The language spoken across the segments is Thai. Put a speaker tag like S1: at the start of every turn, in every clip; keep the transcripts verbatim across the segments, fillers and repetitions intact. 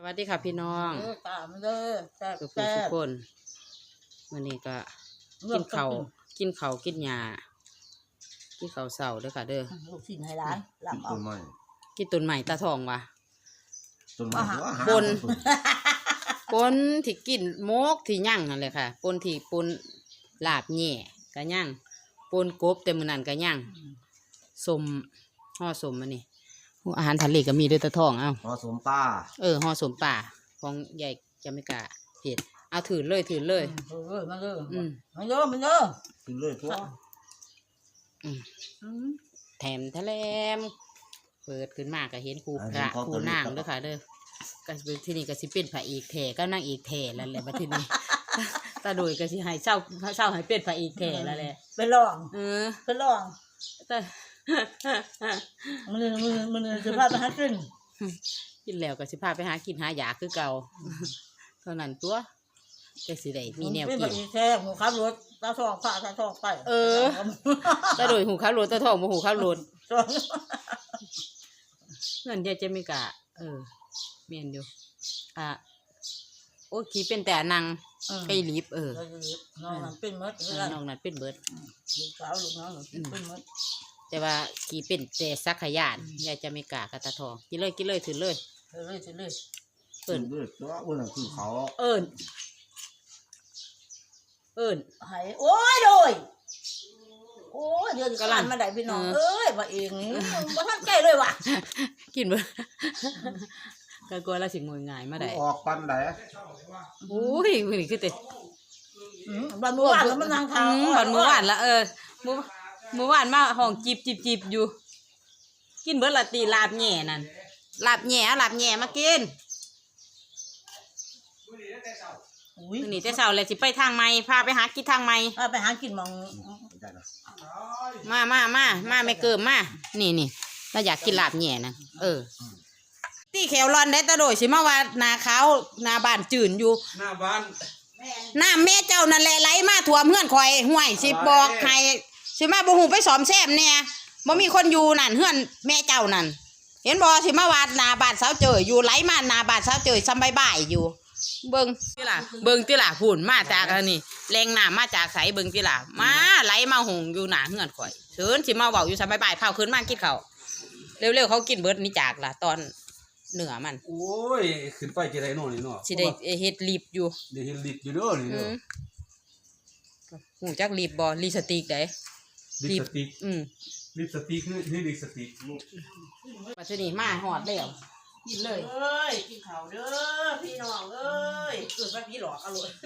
S1: วัสดีค่ะพี่น้อง
S2: เออตามเด้อแซ่บ
S1: ทุก
S2: แซ่บ
S1: คนวันนี้ก็กินข้าวกินข้าวกินหญ้ากินข้าวเสาเด้อค่ะเด้อ
S2: ลูกชิ้นให้ร้านหลับเอา
S3: ต้นไม้
S1: กินต้นใหม่ตาทองวะ
S3: ต้นไม้หัวหา
S1: บน ปนที่กินโมกที่ย่างนั่นเลยค่ะปนที่ปนลาบแหน่ก็ย่างปนกบแต่มื้อนั้นก็ย่างสมห่อสมอันนี้อาหารทะเลก็มีด้วยตาทองเอ้า
S3: ผสมป้า
S1: เออห่อสมป่าของใหญ่จะไม่กล้าเผ็ดเอาถือเลยถือเลย
S2: เออมาเด้อ
S1: อืม
S2: มาเด้อมาเด้อ
S3: ขึ้นเลยตัว
S1: อืม
S2: อืม
S1: แถมทะเลมเปิดขึ้นมาก็เห็นครูพระครูนางเด้อค่ะเด้อก็ที่นี่ก็สิเป็นพระเอกแท้ก็นางเอกแท้แล้วแหละบัดทีนี้ ตาโดยก็สิให้เศร้าเศร้าให้เป็นพระเอกแท้แล้วแหละ
S2: ไปลอง
S1: เออ
S2: ไปลอง
S1: แต่
S2: มือมือมือจะพาไปหากิน
S1: กินแล้วก็สิพาไปหากินหายาคือเก่าเท่านั้นตัวก็สิได้มีแนว
S2: เป็น
S1: กิ
S2: แบบ
S1: น
S2: อีแซ่บหมูขับรถตาทองฝ่าตาทองไป
S1: เออ ตาโดยหูข้าวโลดตาทองบ่หูข้าวโลด
S2: ทอง
S1: เงินเดียวจะไม่กะเออเมียนอยู่อ่ะโอ้ขี่เป็นแต่นางไก่ลิบเออ
S2: น้องนั่นเป็นมด
S1: เออน้องนั้นเป็นเบิด
S2: ลูกสาวลูกน้องเป็นมด
S1: แต่ว่าขี่เป็นแต่สักขยานยายจะไม่กะกะตาทองกินเลยกินเลยถือเลย
S2: เออเลยเลย
S1: เอิ้น
S3: ด้วยตัวอ้วนคือเขา
S1: เอิ้นเอิ้น
S2: หายโอ้ยโดยโอ้ยเดือนกลันมาได้พี่น้องเอ้ยว่าเองว่าท่านใจเลยว่ะ
S1: กินเบิดก็กลัวเราสิงวยง่ายมาได้
S3: ออกปันไหน
S1: โอ้ยมื้อนี้คือแต่
S2: บันเมื่อวานแล้วมันนาง
S1: อื
S2: ทาง
S1: มบัดมื้อวานละเออมื้อมื้อวานมาห้องจิบจิบจิบอยู่ กินเบิดละตีลาบแหน่นั่นลาบแหน่ลาบแหน่มากิน
S2: อุ้ย
S1: มื้อนี้แต่เช้าเลยสิไปทางใหม่พาไปหากินทางใหม่
S2: ไปหากินมอง
S3: ได้นะ
S1: มามามามาไม่เกิมมานี่นี่เราอยากกินลาบแหน่นะเออตีแขวร้อนได้ตะโดยสิมาว่านาขาวนาบ้านจื่นอยู่
S4: หน้าบ้าน
S1: น้ำแม่เจ้านั่นแหละไหลมาท่วมเฮือนข่อยห่วยสิบอกให้สิมาบ่ฮู้ไปสอมแซมแน่บ่มีคนอยู่นั่นเฮือนแม่เจ้านั่นเห็นบ่สิมาวาดนาบ้านสาวเจยอยู่ไหลมานาบ้านสาวเจยซำบ่ายๆอยู่ เบิ่งติล่ะเบิ่งติล่ะพูนมาจากอันนี้แรงน้ำมาจากไสเบิ่งติล่ะมาไหลมาหงอยู่หน้าเฮือนข่อยเชิญสิมาเว้าอยู่ซำบ่ายๆพาขึ้นมากินข้าวเร็วๆเขากินเบิดนี่จากล่ะตอนเหนือมัน
S4: โอ้ยขึ้นไปจะได้โน่นนี่เนาะ
S1: สิได้เฮ็ดรีบอยู่
S4: ได้เห็นลิดอยู่เด้อนี่
S1: อื
S4: เด้อ
S1: มหูจักรีบบ่รีสติกได้
S4: ลิปสติก
S1: อืม
S4: ลิปสติกคือนี่ลิปสติก
S1: มาทีนี้มาหอดแล้วกินเลยเอ้ยกินข้าวเด้อพี่น้องเอ้ยเกิดว่าพี่หลอกอร่อย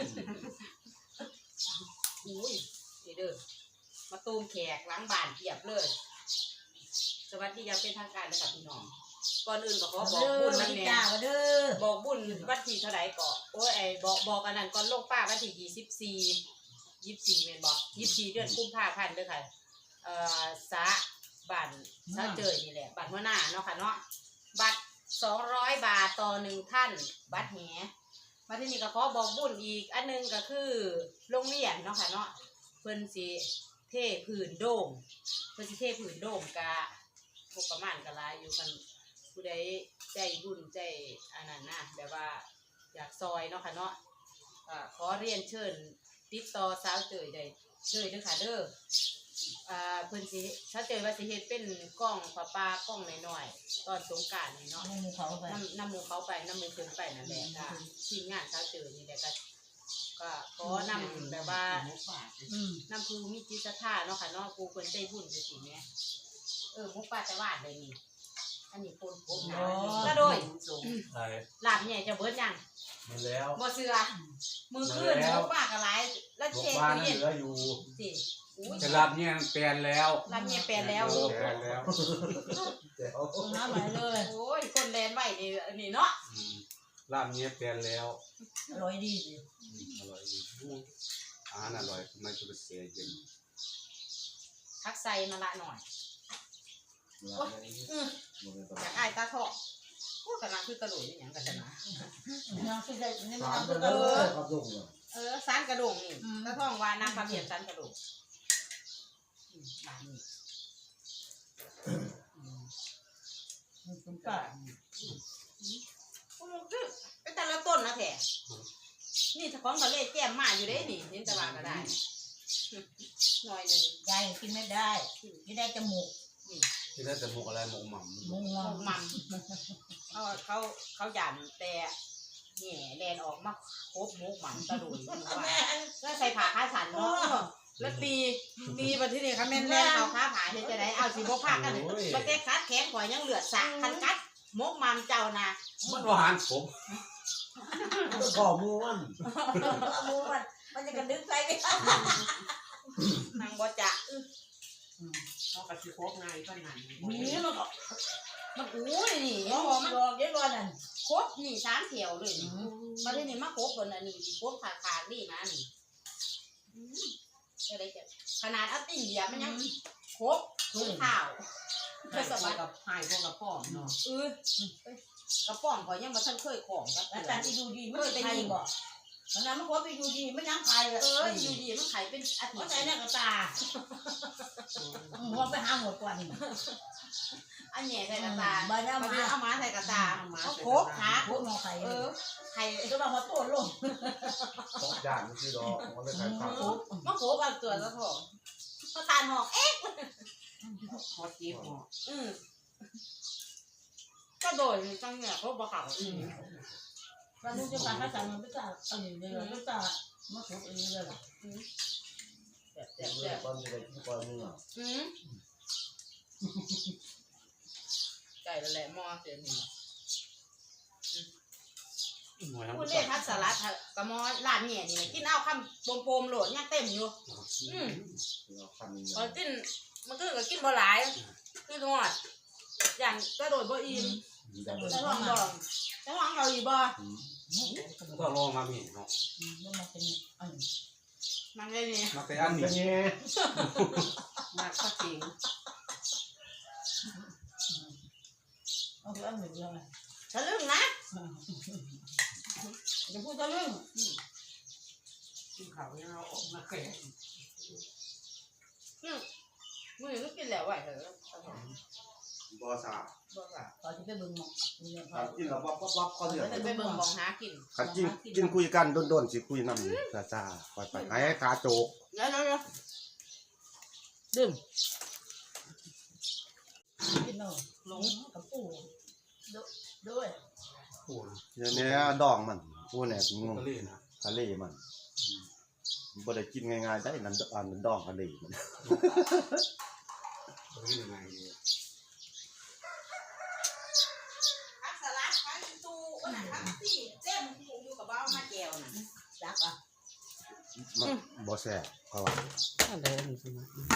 S1: อุ้ยนี่เด้อมาตูมแขกล้างบ้านเพียบเลยสวัสดีอย่างเป็นทางการเลยค่ะพี่น้องก่อนอื่นก็ขอบอกบุญนั่นแหละ
S2: เด้อ
S1: บอกบุญวันที่เท่าไหร่ก็โอ้ยไอ้บอกบอกอันนั้นก่อนลงป้าวันที่ยี่สิบสี่ยี่สิบสี่เมนบอกยี่สิบสี่เดือนกุมภาพันธ์เด้อค่ะเอ่อสะบัตรสะเจยนี่แหละบัตรหัวหน้าเนาะค่ะเนาะบัตรสองร้อยบาทต่อหนึ่งท่านบัตรแหมาที่นี่ก็ขอบอกบุญอีกอันนึงก็คือโรงเรียนเนาะค่ะเนาะเพิ่นสิเทพื้นโด่งเพิ่นสิเทพื้นโด่งกะพวกประมาณกะลายอยู่กันผู้ใดใจบุญใจอันนั้นนะแบบว่าอยากซอยเนาะค่ะเนาะอ่าขอเรียนเชิญติดต่อสาวเจยได้เลยเด้อค่ะเด้ออ่าเพิ่นสิสาวเจยว่าสิเฮ็ดเป็นกล้องปลาปลากล้องน้อยๆตอนสงกรานต์นี่เนาะ
S2: น้ำเขาไป
S1: น้ำน้ำหมูเขาไปน้ำหมูเพิ่นไปนั่นแหละค่ะทีมงานสาวเจยนี่แหละก็ก็ขอนำแบบว่า
S2: อืม
S1: นำคือมีจิตศรัทธาเนาะค่ะเนาะกูเพิ่นใจบุญจังซี่แหมเออหมุกปลาแต่วาดเลยนี่อันนี้คนโคกหนาก็โดย
S4: ใช่
S1: ลาบเนี่ยจะเบิดยัง
S4: มาแล้ว
S1: บ่เสือมือขึ้นหมุกปลากระไรแล้ว
S4: บอก
S1: เช็ด
S4: บ้าน
S1: ตู้
S4: เห
S1: เย็น
S4: ลืออยู่
S1: สิอุ้ย
S4: แต่รับเนี่ยแปลนแล้ว
S1: ลาบเนี่ยแปลนแล้ว
S4: เออแปลนแล้ว
S2: น้ำไหลเลย
S1: โอ้ยคนแลนไว้นี่อันนี้เนาะ
S4: อืมลาบเนี่ยแปลนแล้ว
S2: อร่อยดีสิ
S4: อืมอร่อยดีอาหารอร่อยไม่ต้องไปเสียเย็น
S1: ทักใส่มาละหน่อยโอ้ยอืออยากอายตาทองพูดกันนะคือกระโดดอย่างกันนะ
S2: น้ำคือได้นี่มัน
S3: สาม
S2: น้ำคือ
S3: เด้
S2: เอ
S3: อ
S2: อ
S3: ครับลุง
S1: เออสารกระโดงนี่ตาทองว่าน้ำปลาเพียนสารกระโดงอืมบ้านนี้
S2: คุณป้า
S1: โอ้โหคือแท้นี่ถ้าของทะเลแจ่มมาอยู่เด้นี่เห็นแต่ว่าก็ได้หน่อยหนึง
S2: ยายกินไม่ได้ไม่ได้จมูก
S4: ที่ได้แต่หมกอะไรหมกหม่ำ
S2: มุงง
S1: ห
S2: อ
S1: มกมันเขาเขาเขาหยันแต่แหน่แลนออกมาครบหมกมันตะลุยว่าแล้วใส่ผ้าผ้าสันเนาะแล้วตีตีมาที่นี่ค่ะแม่นแม่นเอาผ้าผ่าเฮ็ดจะได้เอาสิบ่พากันบ่แต่กัดแขนข่อยยังเหลือดสะคันกัดหมกมันเจ้านะ
S4: มันหวานผม
S3: ก็ม้วน
S2: มูมันมันจะกระดึ๊บใส่ไป
S1: นางบ่จะ
S5: เขากระชิโคกไงก็นั่น
S2: นี่มันก็
S1: มันอู้ยนี่
S2: รอ
S1: มัน
S2: รอเดี๋ยวรอนั่น
S1: ครบนี่สามแถวเลยนี่มาที่นี่มาครบคนอันนี้ครบขาขาดนี่นะนี่อะไรจะขนาดอัตติเหยียบมันยังครบทุกข้าว
S5: ไปสบายกับไผ่พวกกับพ่อเนาะ
S1: เออกระป๋องข่อยยังมาทันเคยของกับ
S2: แล้วแต่ที่ดูดีมันใครบอกมันนั้นมันก็ไปดูดีไม่นั่งใครเลย
S1: เอออยู่ดีมันไข่เป็นอาทิ
S2: มัน
S1: ตย์
S2: ใส่หน้ากระตาหัวไปหาหมดกว่านี่
S1: อันแหน่ใส่กระตา
S2: บ้านน้า
S1: มา
S2: มา
S1: เอามาใส่กระตาเอาโคกขา
S2: พวกงอไข่
S1: เออไข่
S2: ก็มาหัวโตลง
S4: ของจานมันคือดอกมันเลยขายผัก
S1: มาโคกเอาตัวซะพอมาทานหอกเอ๊ะ
S5: พอจีบหมอ
S1: อืมก็โดยจังเนี่ยเขาบอกเขาอืม
S2: เราดูจะการภาษามันไม่จ่าอันนี้เลยไม่จ่ามาถูกอันนี้เลยล่ะ
S1: แซ่บแซ่บแซ่บ
S3: ตอนจะได้กินก่อนนึงอ่ะ
S1: อืมไก่ละแหละหม้อเสียหนึ่ง
S4: หน่วย
S1: คุณเล่พัดสลัดกระมอร้านเนี่ยนี่กินเอาคำโปมๆโหลดยังเต็มอยู่ อืม
S3: คันนี้
S1: พอกินมันก็ก็กินบ่หลายคือทอดอย่างกระโดดบ่อิ่ม
S3: ได้
S1: จะลองบ่จะลองเขาอีกบ่
S4: ก็ลองมามีเนาะ
S2: มันมาเป็นอัน
S1: มันเลยนี่
S4: มาแต่อันนี้
S5: มากก็จริง
S2: เอาคืออันหนึ่งเดียวเลย
S1: ทะลึ่งนะ
S2: จะพูดจะเรื่อง
S5: กินเขาเนี่ยเราออกมาแก่
S1: มือก็กินแล้วไหวเถอะ
S3: บ่ซา
S1: บ่ล่ะ
S2: ขอที่ไปบึงหมอกเนี่ยพอ
S3: คันกินแล้ววับวับวับก็เดือด
S1: จะไปเบิ่งมองหากิน
S3: คันกินกินคุยกันโดนๆสิคุยนำซาซาๆค่อยไปให้ขาโจก
S1: เดี๋ยวเดี๋ยวดื่ม
S2: กินเนาะหลงกับปู่ด้วย
S4: ปูน
S3: เดี๋ยวนี้ดองมันผู้เนี่ยงง
S4: ทะเลนะ
S3: ทะเลมันบ่ได้กินง่ายๆได้นั่นอันนั้นดองทะเลมัน
S4: มันเป็นยังไง
S1: ผักสลัดผักตูวันนั้นผักซี่เต็มอยู่กับบ้ามาแก้วน่ะ
S2: รักอ่ะ
S3: มันบ่แซ่บเพราะว่า
S5: อะไรนี่ใช่ไหม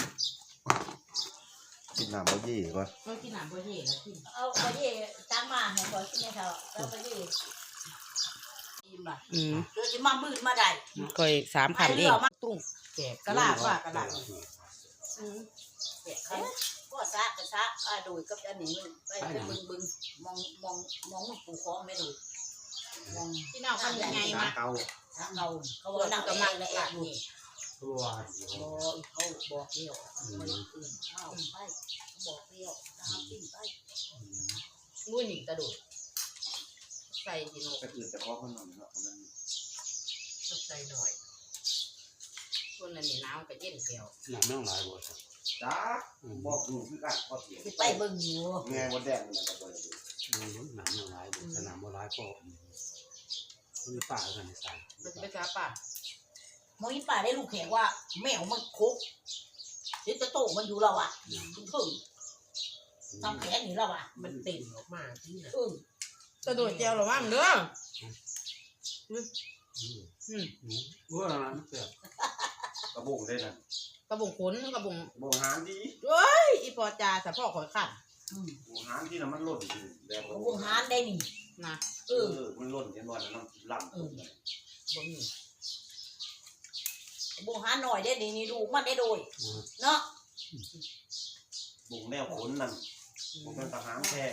S3: กินน้ำบ่ยี่ก่อน
S1: เออกินน้ำบ่เย่แล้วกิน
S2: เอาไปยี่ตั้งมาให้ก่อนที่เนี่ยเขาแล้วไปยี่อิ่มอ่ะ
S5: อืม
S2: เดี๋ยวจะมามืดมาได้
S5: เคยสามคำเองตุ้งแก่
S1: กระลาดว่ากระลาดอืม
S2: เด็กเขาก็ซะก็ซะอ่าดูกับอันนี้ไปบึงบึงมองมองมองมันปูคองไม่ดูมอง
S1: พี่น้องคนยังไงมา
S3: เตา
S2: ทางเราเขาบอกนั่งกับมันเลยอ่ะนี่
S4: ตัว
S2: บอกเขาบอกเดียวคนอื่นเข้าไปบอกเดียวตามปิ้งไป
S1: งูหนีกระโดดใส่กิน
S3: ก็คือจะพอมันหน่อยเนาะมัน
S5: ใส่หน่อย
S1: คนนั้นนี่น้ำกับเย็นแก้ว
S4: หนังไม่ต้องหลายบท
S3: จ้าบอกอยู่คือกันพอเถียง
S2: ที่ไปเบิ่งอยู่
S3: แม่มดแดงนี่ก็บ่ได้ดู
S4: หนังไม่ต้องหลายบทสนามบ่หลายก็มีป่ากันในสาย
S1: มันจะไปจ้าป่ะ
S2: มองอีป่าได้ลูกแขกว่าแมวมันคุกเดี๋ยวจะโตมันอยู่เราอ่ะถึงถึงทำแขนอยู่เราอ่ะ
S5: มันเต็มออกมาที่ไหน
S2: อืม
S1: กระโดดแก้วหรอมั้งเด้อ
S4: อืม
S1: อืม
S4: อืมว่าอะไรนะเสีย
S3: กระบงได้นั่น
S1: กระบุงขนกระบุง
S3: กระบงหางดี
S1: เฮ้ยอีปอจาสะพ่อข่อยขัน
S2: อืม
S3: กระบงหางที่น่ะมันหล่นอยู่แบบ
S2: วงหานได้นี่
S1: นะ
S2: เอ
S3: เอ
S2: อ
S3: อมันหล่นเห็นบ่นั่นล่ำ
S1: บ่มี
S2: วงหานหน่อยได้นี่นี่ดูมันได้โดยเนาะ
S3: บุงแนวขนนั่นบ่เป็นทหารแท้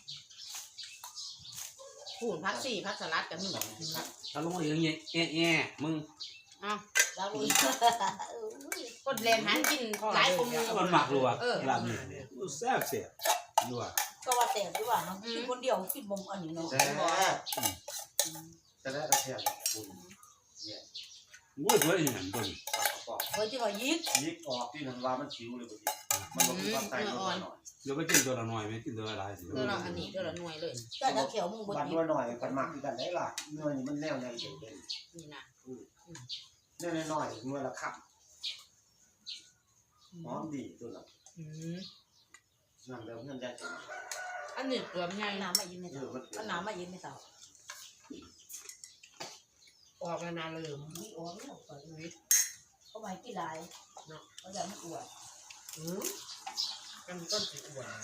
S1: ผูนพักสี่พักสลัดกับมี
S4: ถ้าลงมาอย่างเงี้ยแง่แง่มึง
S1: อ้าว
S2: เราอีก
S1: กดแรงหันกินหลายคนมี
S4: มันหมักรัวลาบเนี่ยแซ่บเสียรัว
S2: ก็ว่าแต่ดีว่ามันกินคนเดียวกินบ่มอันนี้เนาะ
S3: แซ่บแซ่จะได้ระเทียมคุณเนี่ย
S4: โอ้ยเพื่อนอย่างนั้นตัวนี้
S3: ปากกระป๋อง
S2: เฮ้ยที่ว่ายิก
S3: ยิกออกที่นันว่ามันชิวเลยบางทีมันลงความใต้ลงมาหน่อย
S4: เดี๋ยวไปกินตัวละหน่อยไหมกินตัวละหลายสิ
S1: เพื่อเราอันนี้เพื่อเราหน่วยเลย
S2: แต่ถ้าเขียวมึงบ่
S3: บัน
S2: ยิ
S3: ด้ว
S2: ก
S3: ยหน่อยกันมากที่กันได้ล่ะเนื้อนี่มันแนวใหญ่เด่น
S1: นี่นะ
S3: ๆเนื้อน้อยๆเนื้อละคับหอมดีตัวละ
S1: อืม
S3: นั่นเดิมเงินได้จัง
S1: อันนี้เกือบใหญ่
S2: น้ำมายินไม่
S3: เอ
S2: เท่า
S3: อมัน
S2: เอาน้ำมายินไม่เท่า
S1: ออกมานานเลย
S2: นี่โอ้ยเปิดวิเขาไม่กี่ลายเนาะเขาจะไม่อวด
S1: อืมกันต้นสีอ้วน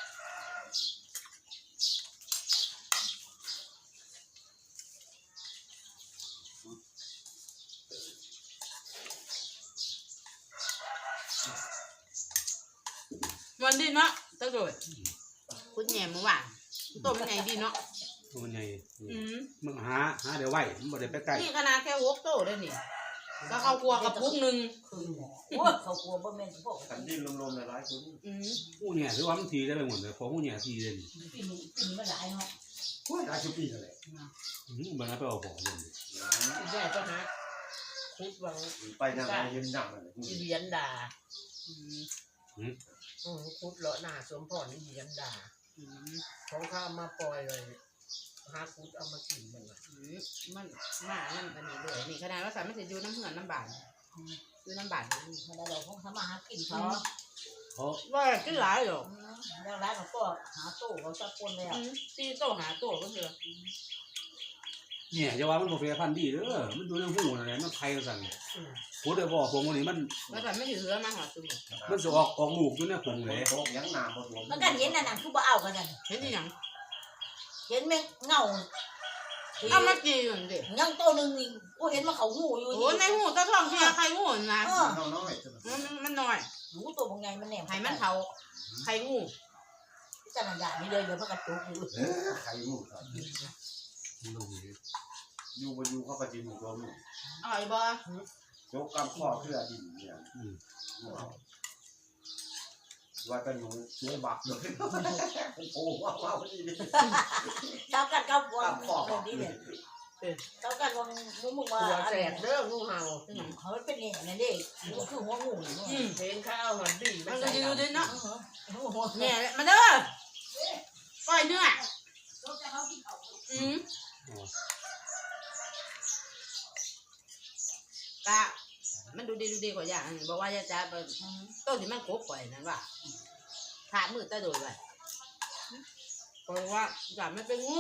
S1: วันดีเนาะตะโดดคุณแหนมเมื่อวานตัวมันใหญ่ดีเนาะ
S4: ตัวมันใหญ่
S1: อืม
S4: มึงหาหาเดี๋ยวไว้มันบ่ได้ไปใกล้
S1: นี่ขนาดแค่หกโตได้นี่ก็เข้าครัวกับพุกหนึ่ง
S2: คือหมอโอ้ยเขากลัวบ่แม่นพวก
S3: กันดิ้นลมๆในร้ายคน
S1: อืม
S4: หูเนี่ยถือว่ามันทีได้ไปหมดเลยพอหูเนี่ยทีเลยนี่
S2: ปีนี้ปีนี้มันหลายเนาะ
S3: ได้ชุบปีกันเลย
S4: อืมมันเอาไปเอาของเลย
S5: ใช่ก็ฮะคุดวัง
S3: ไปนั่งยืนนั่งเลย
S5: อีเวียนด่า
S1: อืม
S5: อืมคุดเลาะหน้าสมพรอีเวียนด่า
S1: อืม
S5: ของข้ามาปล่อยเลยหาคุดเอามากินมันละ
S1: อืมมันมานั่นกันนี่เลยนี่ขนาดว่าสามมันจะอยู่น้ำเหือนน้ำบานอยู่น้ำบานนี่
S2: มันได้เราคงทำมาหากินเขา
S4: เพราะ
S1: ว่ากินหลายหรอก
S2: แล้วร้านเขาก็หาตู้เขาจะปนแล้ว
S1: อืมตีโตหาโตก็เถอะ
S4: เนี่ยจะว่ามันบ่แฟร์พันธุ์ดีเด้อมันดูในหูนั่นแหละมันไข่สั่น
S5: อืม
S4: พูดได้บ่พวกนี้มัน
S1: แล้วแต่ไม่ถือเหือมาหอดซุ่ม
S4: มันสิออกออกลูกอยู่ในผงเลย
S3: โต๊ะยังน้ำผสม
S2: มันก็เห็นนั่นน่ะคือบ่เอากันนั่น
S1: เห็นที่ยัง
S2: เห็นแม่งเงา
S1: เอามาจีอยู่ดิ
S2: ยังตัวหนึ่งนี่กูเห็นว่าเขาหูอยู่
S1: โอ้ในหูตะทองเทียใครงูนะ
S2: เออ
S3: น้อย
S1: มันมันน้อย
S2: หูตัวบางไงมันแหนม
S1: ให้มันเผาใครงู
S2: พิจารณานี่เลยเดี๋ยวพระกระตุกอยู่
S3: เออใครมูครับ
S4: มันลงเลย
S3: อยู่บนอยู่เข้าไปจินตัวมู
S1: อร่อยบ่
S3: โจกกำข้อเพื่อดินเนี่ย
S4: อืม
S3: ว่ากันอยู่เนื้อบักเลยโอ้ว้าวว้าวนี่ดิ
S2: เจ้ากันเจ้าวัง
S3: กำข้อ
S2: เรื่องนี้เนี่ยเจ้ากันวังมึงมึงว่า
S5: หัวแสบเด้องูเห่า
S2: เขาเป็นอย่างนั้นดิมันคือหัวงูนี่
S1: อืม
S5: เพนข้าวหันดี
S1: มันก็อยู่ดิเนาะ
S2: หัว
S1: แม่มาเด้อปล่อยเนื้ออืม
S4: อ๋อก
S1: ะมันดูดีดูดีกว่าอย่างอันนี้บอกว่าจะจะเป็นต้นที่มันโคบปล่อยนั่นว่าขามือตะโดยไว้เพราะว่าอย่ามันเป็นงู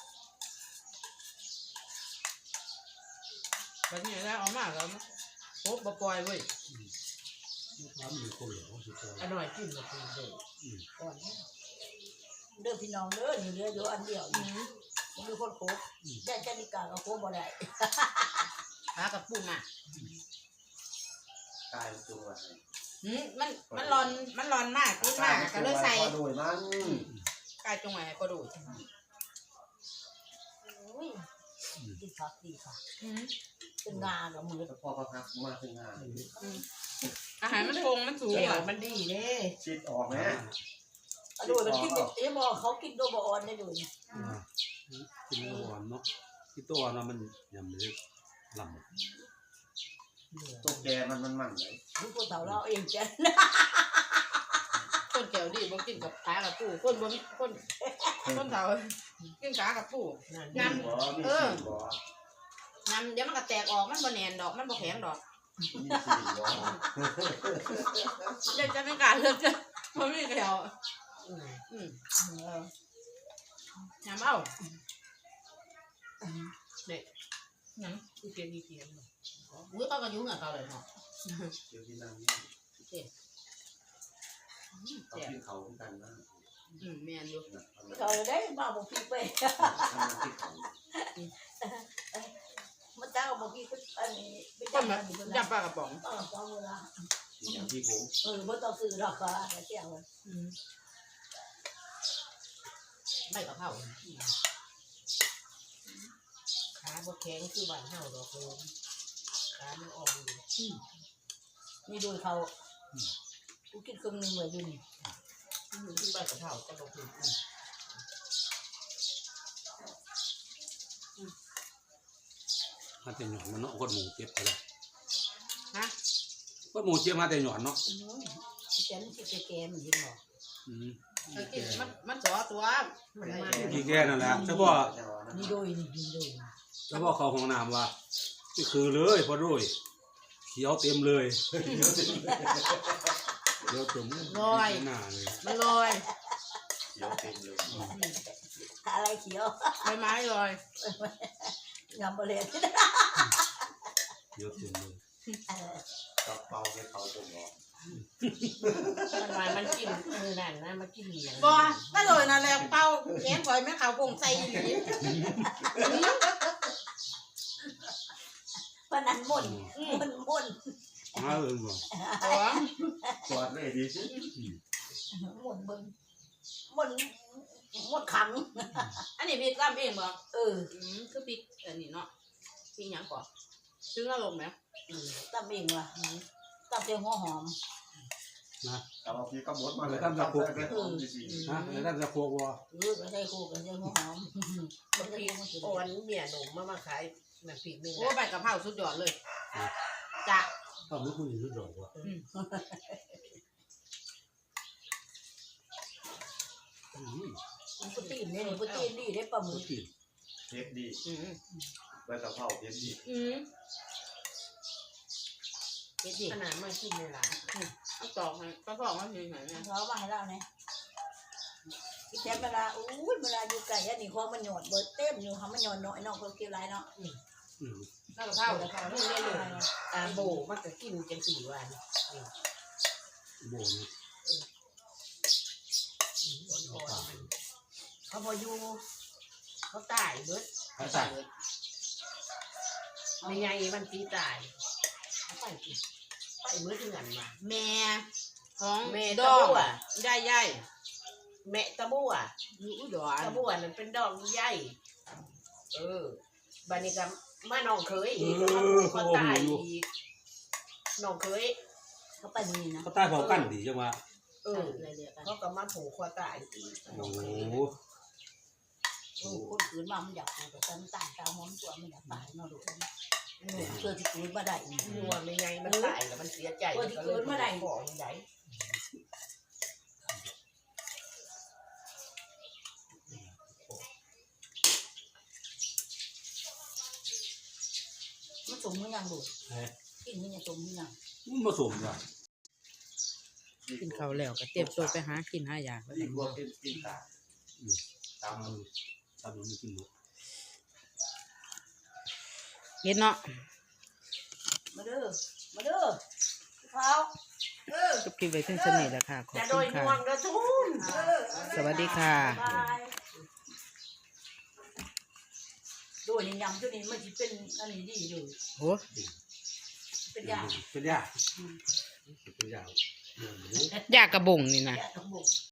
S1: แบบนี้แล้วเอามาแล้วโคบปล่อยเว้ย
S4: ว่ามันเป็นคนเหลวสุดยอด
S5: อร่อยกินกับคุณเด้อ
S2: ก่อนเด้อพี่น้องเด้อนี่เด้ออยู่อันเดียว
S1: อืม
S2: มันมีคนโคบได้แค่นิกาก็โคบบ่ได้
S1: ขากับปูมา
S3: กายตัว
S1: อืมมันมันร้อนมันร้อนมากปูมากก็เลยใส่
S3: โดยมัน
S1: กายจงไว้ให้ก็ดู
S2: ดีค่ะดีค่ะ
S1: อืม
S2: เป็นงานกับมือ
S3: พอพักมาถึงงาน
S1: อาหารมันคงมันสูง
S5: เดี๋ยว
S1: อ่ะ
S5: มันดีเด้
S3: ชิดออกไหม
S2: ดูมันกินเอ๊ะบอกเขากินตัวบออนได้ดู
S4: อ่ากินแล้วหวานเนาะที่ตัวเนาะมันยำเลยลำ
S3: ตัวแกมันมันมันเลย
S2: ดูคนเต่าเราเองจ้ะ
S1: คนแก้วดีบ่กินกับขากับปูคนบ่มีคนคนเฒ่ากินขากับปู
S5: นั่น
S3: มีบ่มีสี่บ่
S1: น้ำเดี๋ยวมันก็แตกออกมันบ่แน่นดอกมันบ่แข็งดอก
S3: มีสี่บ่
S1: เดี๋ยวจะไม่กล้าเลือกจะบ่มีแถว
S5: อืม
S1: อืม
S2: เออ
S1: น้ำเอา
S5: หนังคือเกียนอีเกียน
S1: อุ้ยเขาก็ยุ่งกับเขาเลยเนาะ
S3: เดี๋ยวที่นั่งนี่
S1: อืม
S3: เขา
S1: แซ่บ
S3: กินเขากันนะ
S1: อืมแม่นอยู่
S2: เขาได้มาบอกพี่ไป
S3: ทำที่เขา
S2: มาเจ้าบอกพี่ก็อันนี้ไม่
S1: คน
S2: จำ
S1: แบ
S2: มัน
S1: บ
S2: อยู่
S1: จั
S2: นะ
S1: บปลากระป๋อง
S2: เออเจ้าเวลา
S3: อย่างที่ผม
S2: เออไม่ต้องซื้อหรอกค่ะเจ้า
S1: อืมใบกะเพรา
S5: ขาบ่แข็งคือบ้านเฮาดอกโลมขามันอ่อนอยู่
S2: นี่ดูเขากูกินครึ่งนึงเลยดูนี่
S5: มันคือใบกะเพราจะบ่ถึงอืม
S4: มาแต่หย่อนมันเนาะคนหมูเจ็บไปแล้ว
S1: ฮะ
S4: คนหมูเจ็บมาแต่หย่อนเนาะ
S2: อืมแกมันสิแกๆมันยิงหรอ
S4: อืม
S1: เออกินมันมันสอตัวมันมา
S4: กี่แก่นั่นแหละเฉพาะ
S2: นี่โดยนี่ยิงโดย
S4: เฉพาะเขาห้องน้ำว่าก็คือเลยพอรุ่ยเขียวเต็มเลยเขียวเต็มหน้าเลย
S1: มันลอย
S3: เขียวเต็มเลย
S2: อะไรเขียว
S1: ใบไม้ลอย
S2: งามบ่เลย
S4: เขียวเต็มเลย
S3: กระเป๋าให้เขาผมออก
S1: มันมามันกินมือนั่นนะมันกินเหนียง
S5: บ่ถ้าโดยนั่นแหละเป้าแง้มก่อยแม่ขาวคงใส่อีหลี
S2: ปนันม่นม่นม่น
S4: มาเออบ่
S1: อ๋อ
S3: สวัสดีดีสิ
S2: ม่นเบิ่งม่นม่นขัง
S1: อันนี้พริกลำเองบ่
S2: เออ
S1: อืมคือพริกอันนี้เนาะพริกหยังก่อนซื้ออารมณ์ไหม
S2: ตำเองว่ะตำเจียวหัวหอม
S4: นะ
S3: เอาพี่ก็หมดมาเลย
S4: ตั้งแต่ปลุก
S3: ตั้งแต่ผมดีสิ
S4: ฮะแล้วท่านจะพวกว่า
S2: เออก็ใส่คู่กันเจียวหัวหอม
S5: บางทีโอนเมียหนุ่มมามาขายน้ำพริกนึง
S1: โอ้ใบกะเพราสุดยอดเลยจ้ะ
S4: ต้องรู้คุณอยู่รู้ดอกว่า
S2: ปุตีนเนี่ยปุตีนดีได้ปลาหมึ
S4: รู้
S2: ก
S4: กิน
S3: เผ็ดดี
S1: อืม
S3: ใบกะเพราเผ็ดดี
S1: อืม
S5: เฮ็ดดิขนาดมากินในร้าน
S1: เอาตอกให้กระเพาะมันอยู่ไหนเนี่ย
S2: เขามาให้เราเนี่ยแค่เวลาอู้ยเวลาอยู่ไก่อันนี้ของมันหยอดเบิดเต็มอยู่เขามันหยอดน้อยน้องเขาเกี่ยวไรเนาะ
S4: อืม
S1: แล้วกะเพรา
S5: แล้วก็นี่เลยเลยอ่าโบมันก็กินกันสี่วัน
S4: โบน
S5: เขาพออยู่เขาตายเบิด
S4: เขาใส่
S5: ไม่ไงมันตีตายเขาไปกินไปเบิดเงินมา
S1: แม่ของ
S5: แม่
S1: ด
S5: ตะ
S1: อง
S5: บัว
S1: ใหญ่ใหญ่
S5: แม่ตะบัว
S1: อยู่อุดร
S5: ตะบัวนั่นเป็นดอกใหญ่เออบัดนี้ก็มาน้องเคยอีกมาผูกคอตายอีกน้องเคย
S2: เขาไปนี่นะ
S4: เขาใต้เผากันดีจังวะ
S5: เออเขาก็มาผูกคอตายอีก
S4: โอ้โห
S2: โอ้คนอื่นมามันอยากปลูกแต่ฉันต่างตาหอมตัวมันอยากตายเนาะดูเพื่อที่คืนมาได้
S5: นัวไม่ไงมันตายแล้วมันเสียใจบอกยังไง
S2: มันสมมือยังดู
S4: เฮ้ย
S2: กินมันยังสมมือยัง
S4: มันผสมว่ะ
S1: กินข้าวแล้วก็เตรียมตัวไปหากินหายา
S3: อีกพวกกินกินตาตาม
S4: ทำทำมันกินหมด
S1: เห็นเนาะ
S2: มาเด้อมาเด้อเขา
S1: จบคลิปไว้ถึงสนิทแล้วค่ะ ขอบ
S5: จะโด
S1: คุ
S5: ย
S1: ณ
S5: น
S1: ค่ะ
S5: วงกระทุ่ม
S1: สวัสดีค่ะ
S2: บายโดยยำตัวนี้มันจะเป็นอันนี้ดีอยู่
S1: โอ้
S2: เป็นยา
S4: เป็นยาเป็นยา
S1: ยากระบงนี่นะ
S2: ยาทั้งหมด